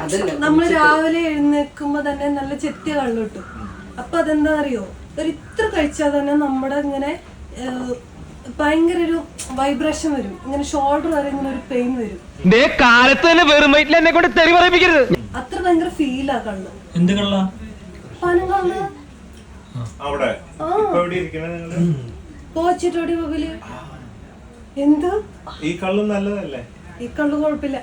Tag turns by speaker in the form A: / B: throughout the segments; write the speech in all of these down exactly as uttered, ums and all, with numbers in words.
A: നമ്മള് രാവിലെ എഴുന്നേൽക്കുമ്പോ തന്നെ നല്ല ചെത്തിയ കള്ളു കിട്ടും. അപ്പൊ അതെന്താ അറിയോ, ഒരു ഇത്ര കഴിച്ചാൽ തന്നെ നമ്മുടെ ഇങ്ങനെ ഭയങ്കര ഒരു വൈബ്രേഷൻ വരും, ഇങ്ങനെ ഷോൾഡർ വരെ ഇങ്ങനെ ഒരു പെയിൻ വരും. അത്ര ഭയങ്കര ഫീലാ കള്ളു.
B: എന്ത് കള്ള?
A: പനം കള്ള്. പോച്ചിട്ടോടി പബില്. എന്ത്
C: ഈ കള്ളു നല്ലതല്ലേ?
A: ഈ കള്ളു കുഴപ്പമില്ല.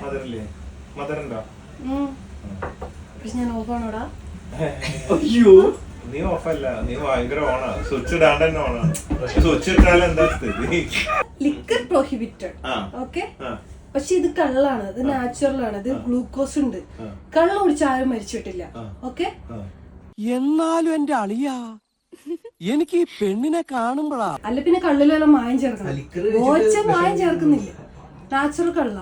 A: പക്ഷെ ഞാൻ ഓഫാണോടാ.
C: അയ്യോ, നീ ഓഫല്ല, നീ ഭയങ്കര ഓണാ. സ്വിച്ച് ഇടാണ്ട് തന്നെ ഓണാണ്. സ്വിച്ച് ഇട്ടാൽ എന്താ സ്ഥിതി?
A: Liquor prohibited. ഓക്കെ, പക്ഷെ ഇത് കള്ളാണ്, ഇത് നാച്ചുറൽ ആണ്, ഇത് ഗ്ലൂക്കോസ് ഉണ്ട്. കള്ള് കുടിച്ച് ആരും മരിച്ചിട്ടില്ല. ഓക്കെ,
D: എന്നാലും എന്റെ അളിയാ എനിക്ക് ഈ പെണ്ണിനെ കാണുമ്പോഴാ.
A: അല്ല പിന്നെ കള്ളിലെല്ലാം മായം ചേർക്കണം. ഓച്ച മായം ചേർക്കുന്നില്ല, നാച്ചുറൽ കള്ള.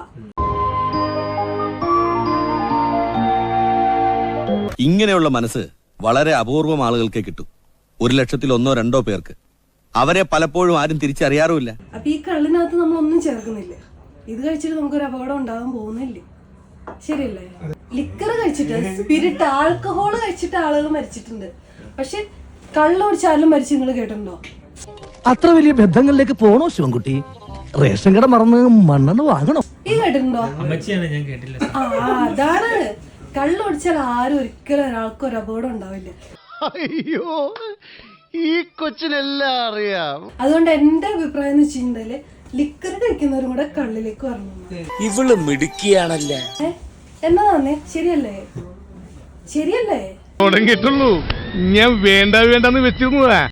E: ഇങ്ങനെയുള്ള മനസ്സ് വളരെ അപൂർവം ആളുകൾക്ക് കിട്ടും. ഒരു ലക്ഷത്തിൽ ഒന്നോ രണ്ടോ പേർക്ക്. അവരെ പലപ്പോഴും ആരും തിരിച്ചറിയാറുമില്ല.
A: അപ്പൊ ഈ കള്ളിനകത്ത് നമ്മൾ ഒന്നും ചേർക്കുന്നില്ല. ഇത് കഴിച്ചിട്ട് നമുക്കൊരു അപകടം ഉണ്ടാകാൻ പോകുന്നില്ലേ? ശരിയല്ലേ? ലിക്കർ കഴിച്ചിട്ട്, സ്പിരിറ്റ്, ആൽക്കഹോൾ കഴിച്ചിട്ട് ആളുകൾ മരിച്ചിട്ടുണ്ട്. പക്ഷെ കള്ള് കുടിച്ചാലും മരിച്ചു നിങ്ങൾ കേട്ടിട്ടുണ്ടോ?
D: അത്ര വലിയ ബന്ധങ്ങളിലേക്ക് പോണോ ശിവൻകുട്ടി? റേഷൻ കട മറന്ന് മണ്ണെണ്ണ വാങ്ങണോ?
A: ഈ കേട്ടിട്ടുണ്ടോ?
B: ഞാൻ കേട്ടില്ല.
A: ആ, അതാണ്. കള്ള് കുടിച്ചാൽ ആരും ഒരിക്കലും ഒരാൾക്കും ഒരു അപകടം ഉണ്ടാവില്ല.
F: അയ്യോ, ഈ കൊച്ചിനെല്ലാം അറിയാം.
A: അതുകൊണ്ട് എന്റെ അഭിപ്രായം എന്ന് വെച്ചിട്ടുണ്ടെങ്കില് ലിക്കർ കഴിക്കുന്നവരും കൂടെ കള്ളിലേക്ക് വരണം.
D: ഇവള് മിടുക്കിയാണല്ലേ.
A: എന്നാ തന്നെ, ശരിയല്ലേ? ശരിയല്ലേ?
F: തുടങ്ങിയിട്ടുള്ളൂ. ഞാൻ വേണ്ട വേണ്ടെന്ന് വെച്ചിരുന്നതാ.